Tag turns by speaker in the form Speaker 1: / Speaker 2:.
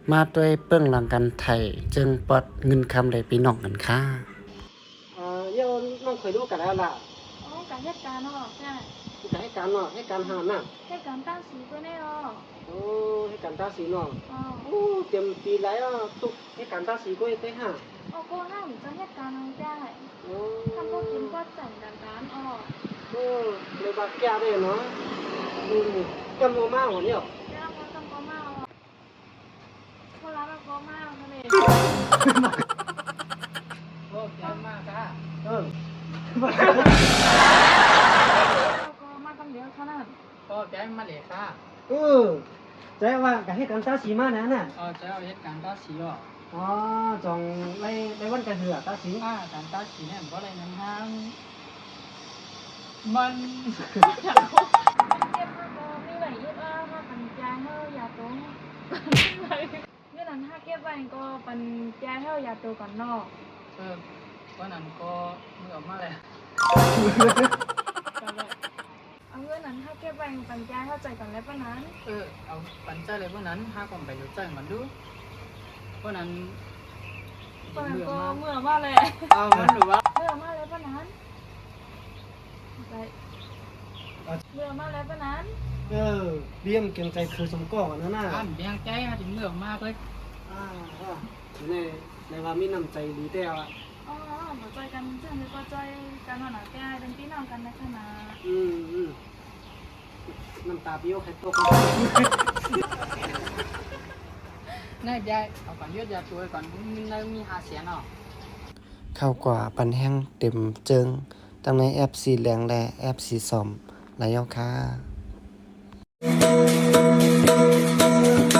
Speaker 1: มาด้วยเปิ้งหลังกันไทยจึงปลดเงินคำได้พี่น้องกันค่ะ
Speaker 2: เดี๋ยวน้องเคยรู้กันแล้วล่ะ
Speaker 3: อ๋อการเหตุการณ์เนาะใช่
Speaker 2: จะให้การเนาะให้การหามน่ะ
Speaker 3: เหตุการณ์ตั้งสีก็แน่เนาะ
Speaker 2: โอ้ให้การตาสีเนาะ
Speaker 3: อ๋อ
Speaker 2: โอ้เต็มปีแล้วทุกให้การตาสีก็ให้ห้า
Speaker 3: อ๋อก็ห้ามจะเหตุการณ์น้องได้
Speaker 2: โอ้
Speaker 3: ทำก็กินก็จังกันร้านอ๋อ
Speaker 2: โอ้เลยบาแก่เลยเนาะจำโมมากหัวเนี่ย
Speaker 3: แล้วก็ต้องก็มาอ๋อเวลาเราก็มาทะเล
Speaker 4: โอ้แกมากค่ะ
Speaker 2: เรา
Speaker 3: ก็มาตั้งเดียวเท่านั้น
Speaker 4: โอ้แกมาเลยค่ะ
Speaker 2: ใจว่ากับให้การตาสีมานะน่ะ
Speaker 4: จะเอาเหตุการณ์ตาสีอ่ะ
Speaker 2: อ๋อจองในวันกันเหือตาสี
Speaker 4: การตาสีเนี่ยมันก็เลยนั้นห้างมัน
Speaker 3: เก็บมาก็มีไหลยืดถ้าปัญญาเท่าอย่าตรงเมื่อนั้นถ้าเก็บไว้ก็ปัญญาเท่าอย่าตัวก่อนนอก
Speaker 4: วันนั้นก็มือออกมาเลย
Speaker 3: เอาเงินนั้นถ้าเก็บไว้ปัญญาเท่าใจก่อนแล้วปะนั้น
Speaker 4: เอาปันใจเลยวันนั้นห้าคนไปอยู่ใจมันดูวันนั้น
Speaker 3: ก็เมื่อมาเลย
Speaker 4: มันหรือว่า
Speaker 3: เมื่อมาแล้วปะนั้นไปเมื่อมาแล้วปะนั้น
Speaker 2: เบี้ยมเก่งใจคือสมก่อนนะน่ะ
Speaker 4: เบี้ยงใจถึงเมื่อมากเลย
Speaker 2: ในว่ามีน้ำใจดีแต่ว่า
Speaker 3: อ๋อหัวใจกันเชื่อมก็ใจกันหนาแก่เป็นพี่น้องกันในขณะ
Speaker 2: น้ำตาเบี้ยวใครตก
Speaker 4: นายยายเอาก่อนยืดยาตัวก่อนมีหาเสียงอ่ะ
Speaker 1: เข้ากว่าปันแห้งเต็มเจิงตั้งในแอปสีแดงและแอปสีส้มหลายยอค่ะ